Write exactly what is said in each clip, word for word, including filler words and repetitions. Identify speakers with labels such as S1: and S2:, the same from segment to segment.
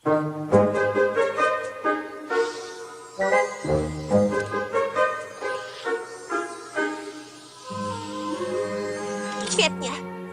S1: Świetnie.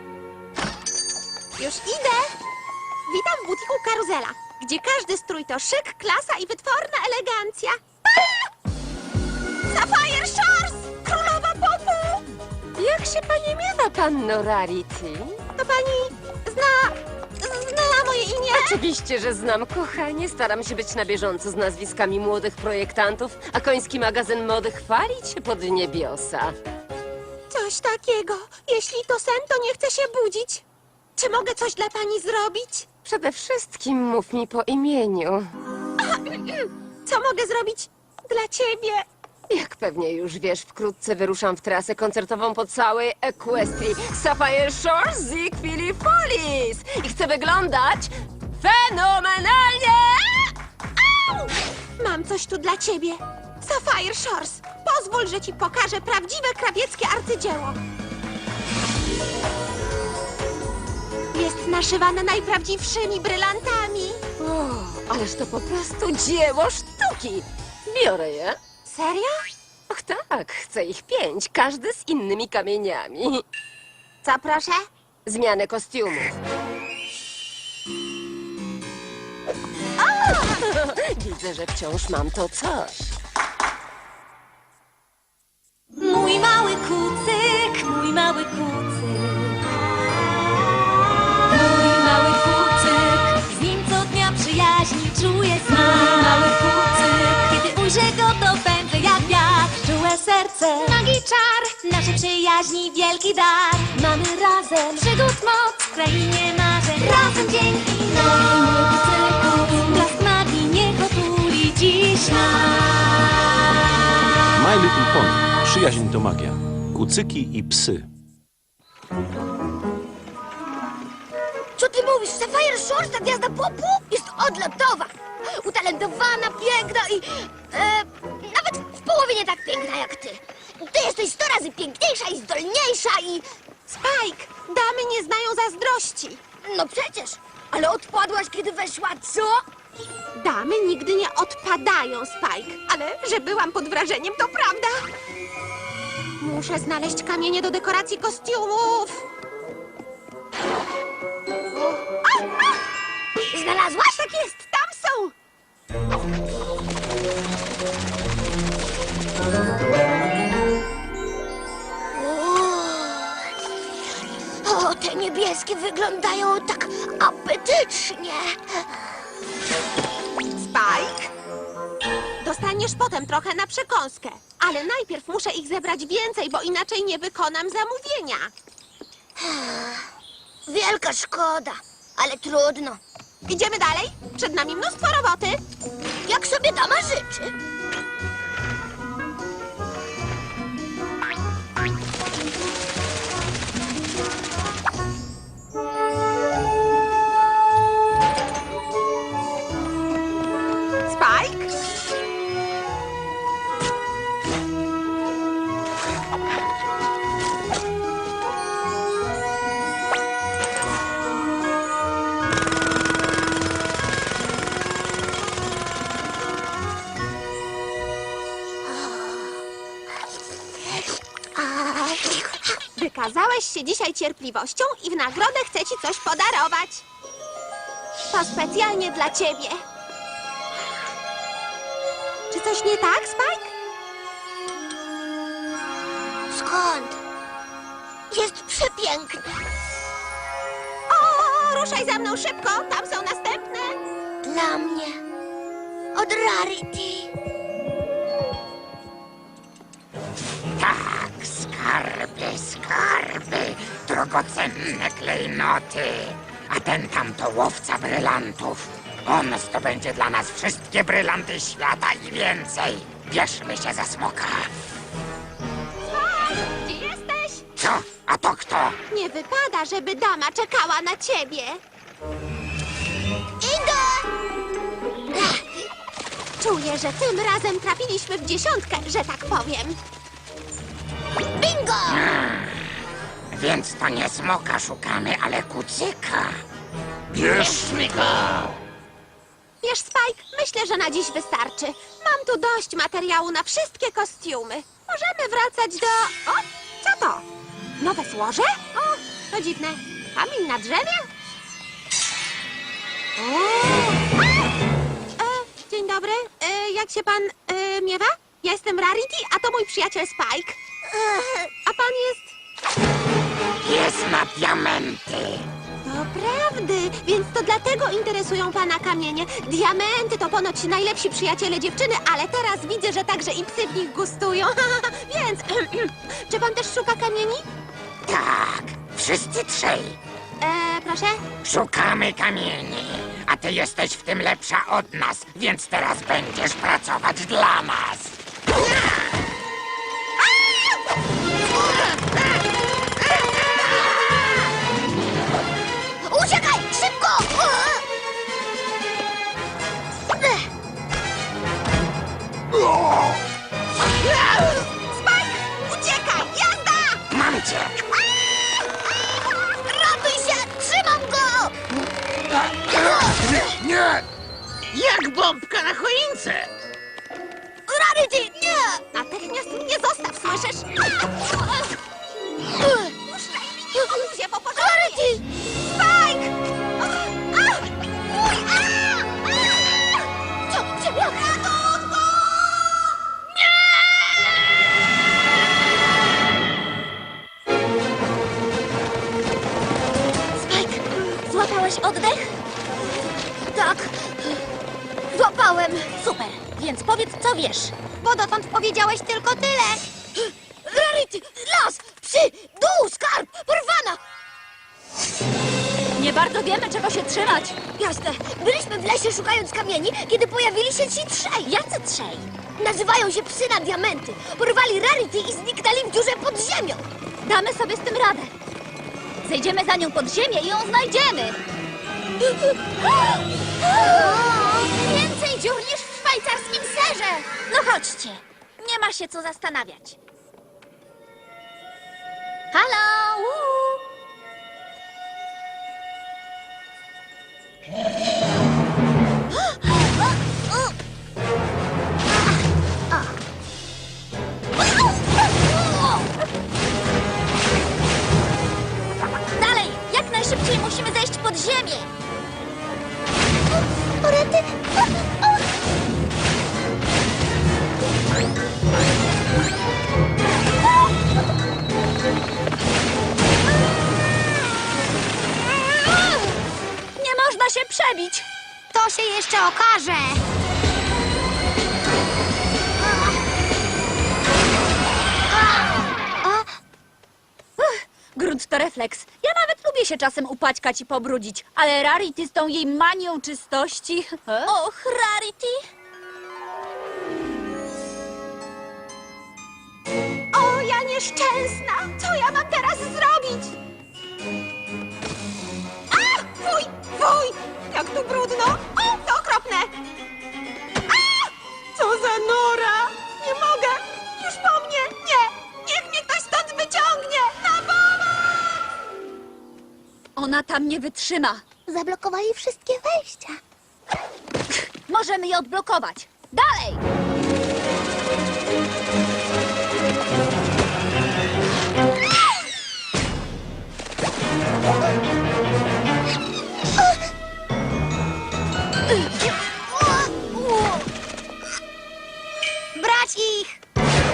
S1: Już idę. Witam w butiku Karuzela, gdzie każdy strój to szyk, klasa i wytworna elegancja. A! Sapphire Shores! Królowa popu!
S2: Jak się pani miewa, panno Rarity?
S1: To pani zna... zna moje imię?
S2: Oczywiście, że znam, kochanie. Staram się być na bieżąco z nazwiskami młodych projektantów, a koński magazyn mody chwali cię pod niebiosa.
S1: Coś takiego. Jeśli to sen, to nie chcę się budzić. Czy mogę coś dla pani zrobić?
S2: Przede wszystkim mów mi po imieniu.
S1: Co mogę zrobić dla ciebie?
S2: Jak pewnie już wiesz, wkrótce wyruszam w trasę koncertową po całej Equestrii. Sapphire Shores Zigfilipolis! I chcę wyglądać fenomenalnie!
S1: Au! Mam coś tu dla ciebie. Sapphire Shores, pozwól, że ci pokażę prawdziwe krawieckie arcydzieło. Jest naszywane najprawdziwszymi brylantami.
S2: O, ależ to po prostu dzieło sztuki! Biorę je.
S1: Serio?
S2: Och tak, chcę ich pięć, każdy z innymi kamieniami.
S1: Co proszę?
S2: Zmianę kostiumów. Widzę, że wciąż mam to coś.
S3: Mój mały kucyk, mój mały kucyk. Mój mały kucyk, z nim co dnia przyjaźni czuję smak. Mój mały kucyk, kiedy ujrzę go, to pędzę jak wiatr. Czułe serce, magii czar, naszej przyjaźni wielki dar. Mamy razem przygód moc w krainie marzeń. Razem dzięki nam, mój kucyku, blask magii niech otuli dziś nas.
S4: My Little Pony. Przyjaźń to magia. Kucyki i psy.
S5: Co ty mówisz? Sapphire Shores, ta gwiazda popu? Jest odlotowa. Utalentowana, piękna i... E, nawet w połowie nie tak piękna jak ty. Ty jesteś sto razy piękniejsza i zdolniejsza i...
S1: Spike, damy nie znają zazdrości.
S5: No przecież. Ale odpadłaś, kiedy weszła, co?
S1: Damy nigdy nie odpadają, Spike. Ale że byłam pod wrażeniem, to prawda. Muszę znaleźć kamienie do dekoracji kostiumów. A, a!
S5: Znalazłaś?
S1: Tak jest, tam są.
S5: O, te niebieskie wyglądają tak apetycznie.
S1: Spike, dostaniesz potem trochę na przekąskę. Ale najpierw muszę ich zebrać więcej, bo inaczej nie wykonam zamówienia.
S5: Wielka szkoda, ale trudno.
S1: Idziemy dalej? Przed nami mnóstwo roboty.
S5: Jak sobie dama życzy.
S1: Spike? Wykazałeś się dzisiaj cierpliwością i w nagrodę chcę ci coś podarować. To specjalnie dla ciebie. Czy coś nie tak, Spike?
S5: Skąd? Jest przepiękny.
S1: O, ruszaj za mną szybko, tam są następne.
S5: Dla mnie. Od Rarity.
S6: Tak, skarby, skarby, drogocenne klejnoty. A ten tam to łowca brylantów. On zdobędzie dla nas wszystkie brylanty świata i więcej. Bierzmy się za smoka.
S1: Spike, gdzie jesteś?
S6: Co? A to kto?
S1: Nie wypada, żeby dama czekała na ciebie.
S5: Idę!
S1: Czuję, że tym razem trafiliśmy w dziesiątkę, że tak powiem.
S5: Bingo!
S6: Więc to nie smoka szukamy, ale kucyka.
S7: Bierzmy go!
S1: Wiesz, Spike, myślę, że na dziś wystarczy. Mam tu dość materiału na wszystkie kostiumy. Możemy wracać do... O, co to? Nowe złoże? O, to dziwne. Kamień na drzewie? O! A! E, dzień dobry. E, jak się pan e, miewa? Ja jestem Rarity, a to mój przyjaciel Spike. A pan jest...
S6: Jest na diamenty.
S1: Doprawdy, więc to dlatego interesują pana kamienie. Diamenty to ponoć najlepsi przyjaciele dziewczyny, ale teraz widzę, że także i psy w nich gustują. Więc, czy pan też szuka kamieni?
S6: Tak, wszyscy trzej.
S1: E, proszę?
S6: Szukamy kamieni, a ty jesteś w tym lepsza od nas, więc teraz będziesz pracować dla nas.
S5: Uciekaj! Szybko!
S1: Spike! Uciekaj! Jazda!
S6: Mam cię!
S5: Ratuj się! Trzymam go!
S6: Nie, nie!
S7: Jak bombka na choince!
S5: Rarity, nie!
S1: Natychmiast mnie zostaw, słyszysz? Puszczaj mnie, odluzie, bo pożaruję!
S5: Rarity!
S1: Spike! A!
S5: Uj, a! A! Co? Ciebie?
S3: Spike, złapałeś oddech?
S5: Tak. Złapałem.
S3: Super, więc powiedz, co wiesz.
S5: Bo dotąd powiedziałeś tylko tyle. Rarity! Las! Psy! Dół! Skarb! Porwana!
S3: Nie bardzo wiemy, czego się trzymać.
S5: Jasne. Byliśmy w lesie szukając kamieni, kiedy pojawili się ci trzej.
S3: Jacy trzej?
S5: Nazywają się psy na diamenty. Porwali Rarity i zniknęli w dziurze pod ziemią.
S3: Damy sobie z tym radę. Zejdziemy za nią pod ziemię i ją znajdziemy.
S5: Więcej dziur niż w szwajcarskim serze.
S3: No chodźcie, nie ma się co zastanawiać. Halo! Uuu. Dalej, jak najszybciej musimy zejść pod ziemię.
S5: Orety!
S3: Nie można się przebić.
S5: To się jeszcze okaże.
S3: Grunt to refleks. Ja nawet lubię się czasem upaćkać i pobrudzić, ale Rarity z tą jej manią czystości... Och, Rarity!
S1: O, ja nieszczęsna! Co ja mam teraz zrobić? A! Fuj! Fuj! Jak tu brudno! O, to okropne! A! Co za nora! Nie mogę! Już po mnie! Nie! Niech mnie ktoś stąd wyciągnie! Na pomoc!
S3: Ona tam nie wytrzyma.
S5: Zablokowali wszystkie wejścia.
S3: Możemy je odblokować. Dalej!
S5: Brać ich!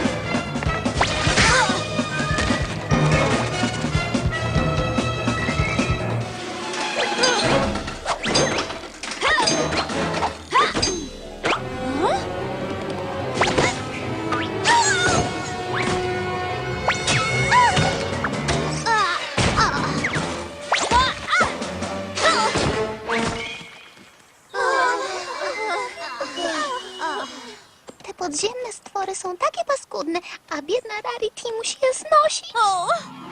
S5: Te podziemne stwory są takie paskudne, a biedna Rarity musi je znosić.
S3: O!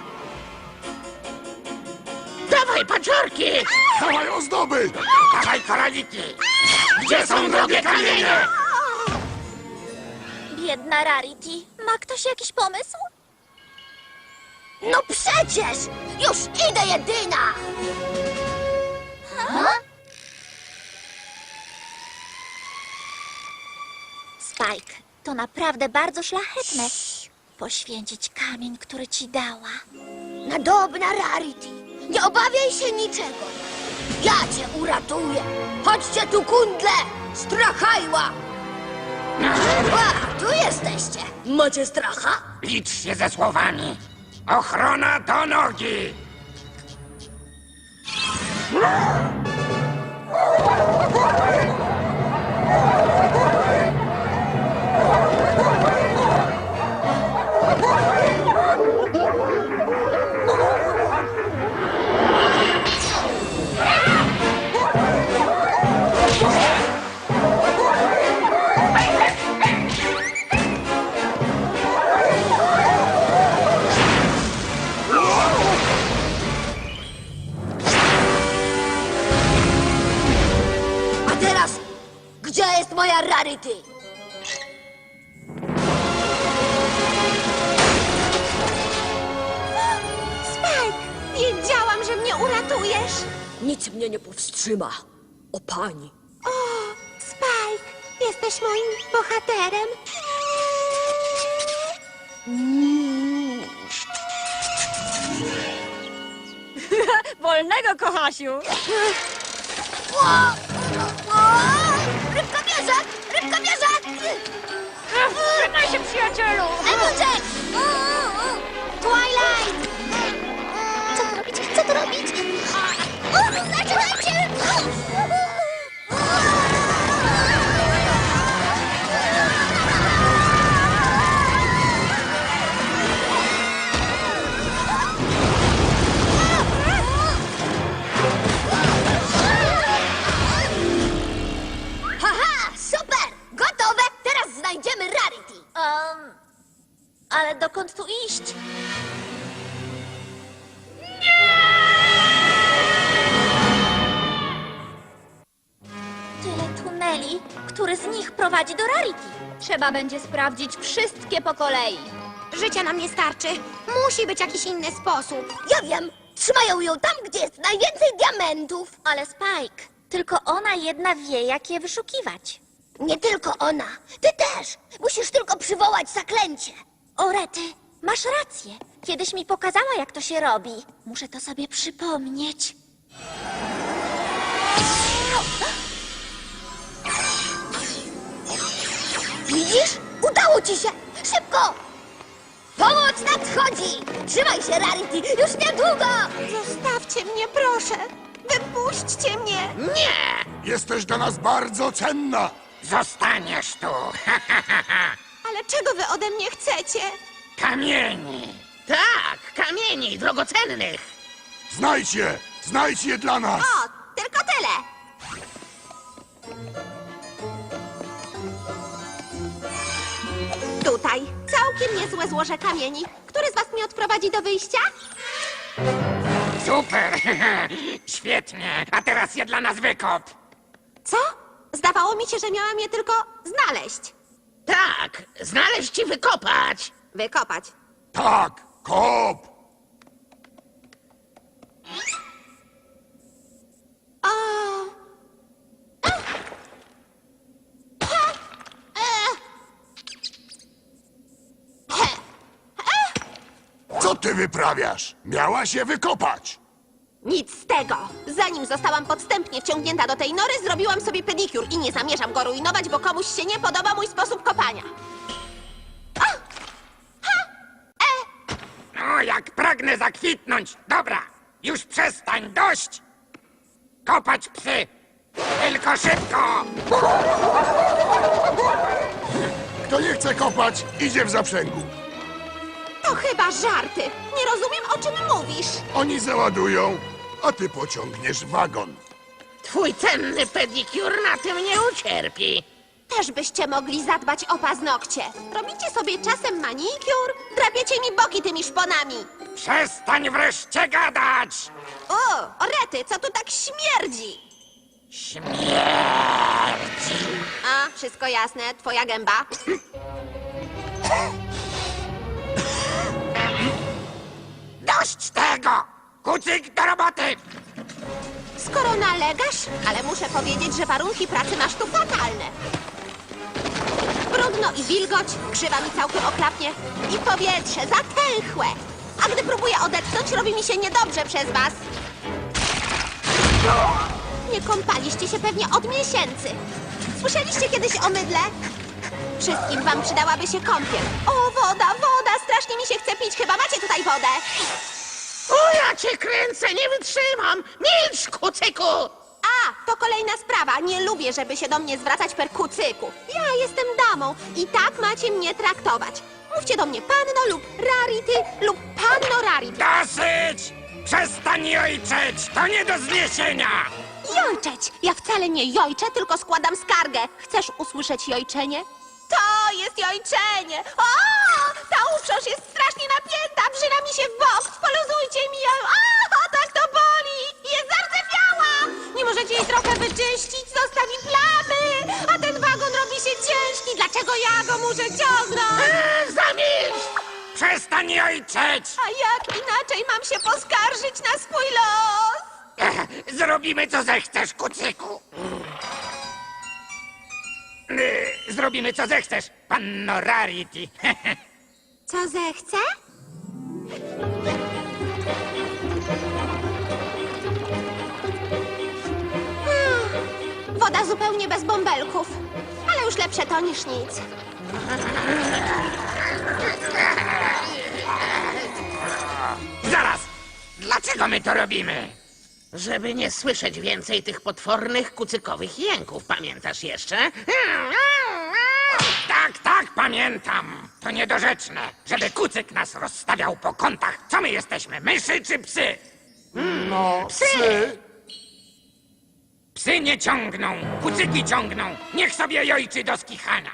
S7: Dawaj, paciorki!
S6: Dawaj ozdoby! Dawaj koraliki! Gdzie są drogie kamienie?
S3: Biedna Rarity. Ma ktoś jakiś pomysł?
S5: No przecież! Już idę, jedyna!
S3: Spike, to naprawdę bardzo szlachetne. Poświęcić kamień, który ci dała.
S5: Nadobna Rarity, nie obawiaj się niczego. Ja cię uratuję. Chodźcie tu, kundle! Strachajła! A, tu jesteście. Macie stracha?
S6: Licz się ze słowami. Ochrona do nogi!
S5: A teraz, gdzie jest moja Rarity?
S1: Spike, wiedziałam, że mnie uratujesz.
S5: Nic mnie nie powstrzyma. O pani.
S1: O, Spike, jesteś moim bohaterem.
S2: Wolnego, kochasiu!
S5: O! O! Rybka bierze! Rybka bierze!
S2: Trzymaj się, przyjacielu!
S5: Applejack! Twilight! Co tu robić? Co tu robić? O, zaczynajcie! Haha! Super! Gotowe! Teraz znajdziemy Rarity!
S3: Um, ale dokąd tu iść? Tyle tuneli, który z nich prowadzi do Rarity. Trzeba będzie sprawdzić wszystkie po kolei.
S1: Życia nam nie starczy. Musi być jakiś inny sposób.
S5: Ja wiem! Trzymają ją tam, gdzie jest najwięcej diamentów!
S3: Ale Spike, tylko ona jedna wie, jak je wyszukiwać.
S5: Nie tylko ona. Ty też. Musisz tylko przywołać zaklęcie.
S3: O, Rety, masz rację. Kiedyś mi pokazała, jak to się robi. Muszę to sobie przypomnieć.
S5: Widzisz? Udało ci się. Szybko! Pomoc nadchodzi! Trzymaj się, Rarity. Już niedługo!
S1: Zostawcie mnie, proszę. Wypuśćcie mnie.
S7: Nie!
S8: Jesteś dla nas bardzo cenna.
S6: Zostaniesz tu!
S1: Ale czego wy ode mnie chcecie?
S6: Kamieni!
S7: Tak, kamieni drogocennych.
S8: Znajdź je! Znajdź je dla nas!
S1: O, tylko tyle. Tutaj. Całkiem niezłe złoże kamieni. Który z was mnie odprowadzi do wyjścia?
S6: Super! Świetnie! A teraz je dla nas wykop!
S1: Co? Zdawało mi się, że miałam je tylko znaleźć.
S7: Tak, znaleźć i wykopać.
S1: Wykopać.
S8: Tak, kop!
S1: O!
S8: Co ty wyprawiasz? Miałaś je wykopać!
S1: Nic z tego. Zanim zostałam podstępnie wciągnięta do tej nory, zrobiłam sobie pedikur i nie zamierzam go rujnować, bo komuś się nie podoba mój sposób kopania.
S6: O, jak pragnę zakwitnąć! Dobra, już przestań, dość! Kopać psy! Tylko szybko!
S8: Kto nie chce kopać, idzie w zaprzęgu.
S1: To chyba żarty. Nie rozumiem, o czym mówisz.
S8: Oni załadują, a ty pociągniesz wagon.
S7: Twój cenny pedikur na tym nie ucierpi.
S1: Też byście mogli zadbać o paznokcie. Robicie sobie czasem manikur, drapiecie mi boki tymi szponami.
S6: Przestań wreszcie gadać!
S1: O, orety, co tu tak śmierdzi?
S6: Śmierdzi!
S1: A, wszystko jasne, twoja gęba.
S6: Dość tego! Kucyk do roboty!
S1: Skoro nalegasz, ale muszę powiedzieć, że warunki pracy masz tu fatalne. Trudno i wilgoć, krzywa mi całkiem oklapnie i powietrze zatęchłe. A gdy próbuję odetchnąć, robi mi się niedobrze przez was. Nie kąpaliście się pewnie od miesięcy. Słyszeliście kiedyś o mydle? Wszystkim wam przydałaby się kąpiel. O, woda, woda, strasznie mi się chce pić. Chyba macie tutaj wodę.
S7: O, ja cię kręcę, nie wytrzymam! Milcz, kucyku!
S1: A, to kolejna sprawa. Nie lubię, żeby się do mnie zwracać per kucyku. Ja jestem damą i tak macie mnie traktować. Mówcie do mnie panno lub rarity lub panno rarity.
S6: Dosyć! Przestań jojczeć! To nie do zniesienia!
S1: Jojczeć! Ja wcale nie jojczę, tylko składam skargę. Chcesz usłyszeć jojczenie? To jest jojczenie! O! Ta uprząż jest strasznie napięta, wrzyna mi się w bok. Poluzujcie mi ją! O, tak to boli! Jest zardzewiała! Nie możecie jej trochę wyczyścić, zostawi plamy! A ten wagon robi się ciężki. Dlaczego ja go muszę ciągnąć?
S7: Eee, zamilcz!
S6: Przestań jojczeć!
S1: A jak inaczej mam się poskarżyć na swój los?
S6: Ech, Zrobimy co zechcesz, kucyku! Yy, Zrobimy co zechcesz, panno Rarity.
S1: Co zechce? Hmm, woda zupełnie bez bąbelków. Ale już lepsze to niż nic.
S6: Zaraz! Dlaczego my to robimy?
S7: Żeby nie słyszeć więcej tych potwornych kucykowych jęków, pamiętasz jeszcze?
S6: Tak, tak, pamiętam. To niedorzeczne, żeby kucyk nas rozstawiał po kątach. Co my jesteśmy, myszy czy psy?
S8: No, psy.
S6: Psy nie ciągną, kucyki ciągną. Niech sobie jojczy do skichania.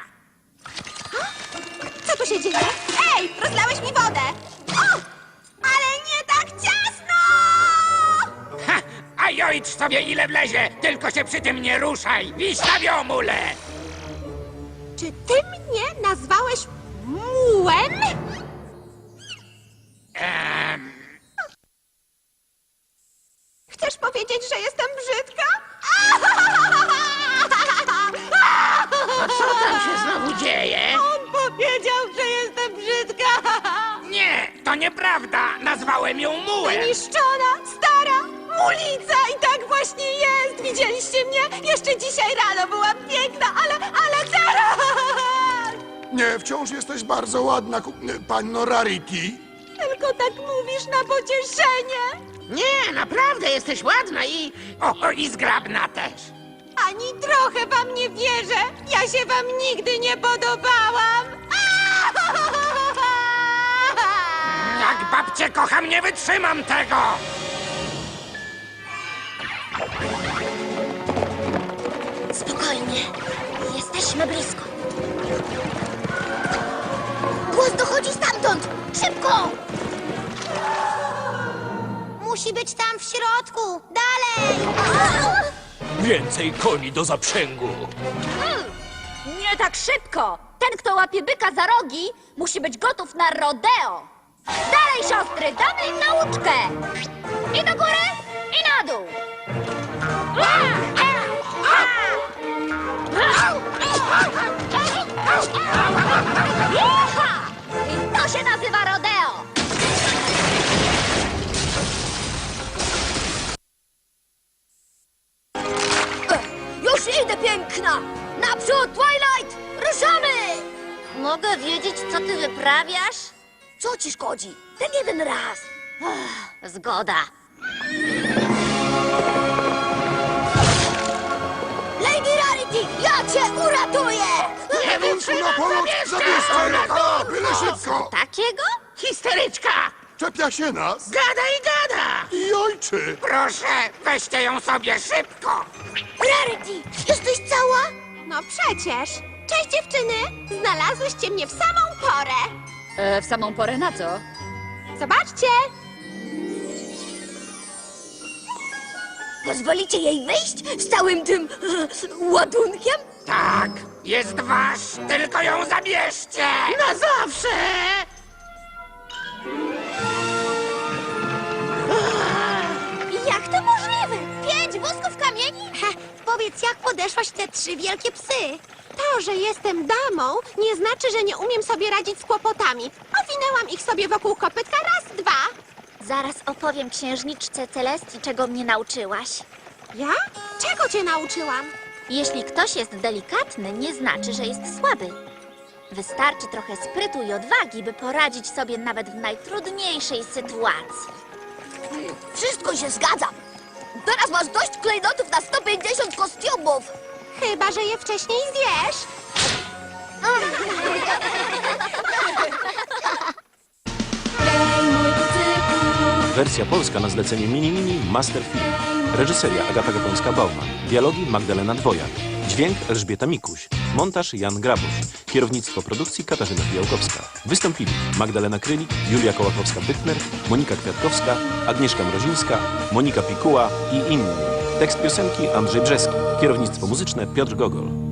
S1: Co tu się dzieje? Ej, rozlałeś mi wodę! O! Ale nie tak ciasno!
S6: Ha! A jojcz sobie ile wlezie, tylko się przy tym nie ruszaj. Wiś na wiomule!
S1: Czy ty mnie nazwałeś mułem?
S6: Ehm,
S1: Chcesz powiedzieć, że jestem brzydka?
S7: A co tam się znowu dzieje?
S1: On powiedział, że jestem brzydka!
S6: nie, to nieprawda. Nazwałem ją mułem.
S1: Wyniszczona, stara, mulica i tak właśnie jest! Widzieliście mnie? Jeszcze dzisiaj rano byłam piękna, ale, ale teraz!
S8: Nie, wciąż jesteś bardzo ładna, ku- panno Rarity.
S1: Tylko tak mówisz na pocieszenie.
S7: Nie, naprawdę jesteś ładna i...
S6: O, o, i zgrabna też.
S1: Ani trochę wam nie wierzę. Ja się wam nigdy nie podobałam.
S6: Jak babcię kocham, nie wytrzymam tego.
S5: Spokojnie. Jesteśmy blisko. Głos dochodzi stamtąd! Szybko! Musi być tam w środku! Dalej!
S4: Więcej koni do zaprzęgu.
S3: Nie tak szybko! Ten, kto łapie byka za rogi, musi być gotów na rodeo! Dalej, siostry, damy im nauczkę! I do góry, i na dół! Jecha! I to się nazywa rodeo!
S5: Już idę, piękna! Naprzód, Twilight! Ruszamy! Mogę wiedzieć, co ty wyprawiasz? Co ci szkodzi? Ten jeden raz. Ach, zgoda. Lady Rarity, ja cię uratuję!
S7: Nie
S8: Na
S7: wytrzymam,
S8: pomoc! Zabierzcie go! Byle szybko!
S3: Takiego?
S7: Histeryczka!
S8: Czepia się nas
S7: Gada i gada!
S8: i ojczy.
S6: Proszę, weźcie ją sobie szybko.
S5: Rarity, jesteś cała?
S1: No przecież. Cześć dziewczyny. Znalazłyście mnie w samą porę.
S3: E, w samą porę na co?
S1: Zobaczcie.
S5: Pozwolicie jej wyjść z całym tym e, ładunkiem?
S6: Tak, jest wasz, tylko ją zabierzcie.
S7: Na zawsze!
S5: Jak to możliwe? Pięć wózków kamieni? Ha, Powiedz, jak podeszłaś te trzy wielkie psy?
S1: To, że jestem damą, nie znaczy, że nie umiem sobie radzić z kłopotami. Owinęłam ich sobie wokół kopytka raz, dwa.
S5: Zaraz opowiem księżniczce Celestii, czego mnie nauczyłaś.
S1: Ja? Czego cię nauczyłam?
S5: Jeśli ktoś jest delikatny, nie znaczy, że jest słaby. Wystarczy trochę sprytu i odwagi, by poradzić sobie nawet w najtrudniejszej sytuacji. Wszystko się zgadza. Teraz masz dość klejnotów na sto pięćdziesiąt kostiumów.
S1: Chyba, że je wcześniej zjesz.
S3: Hej, mój kucyku.
S4: Wersja polska na zlecenie Mini Mini Master Film. Reżyseria Agata Gapąska-Bauman. Dialogi Magdalena Dwojak. Dźwięk Elżbieta Mikuś. Montaż Jan Grabusz. Kierownictwo produkcji Katarzyna Fijałkowska. Wystąpili Magdalena Krylik, Julia Kołakowska-Bytner, Monika Kwiatkowska, Agnieszka Mrozińska, Monika Pikuła i inni. Tekst piosenki Andrzej Brzeski. Kierownictwo muzyczne Piotr Gogol.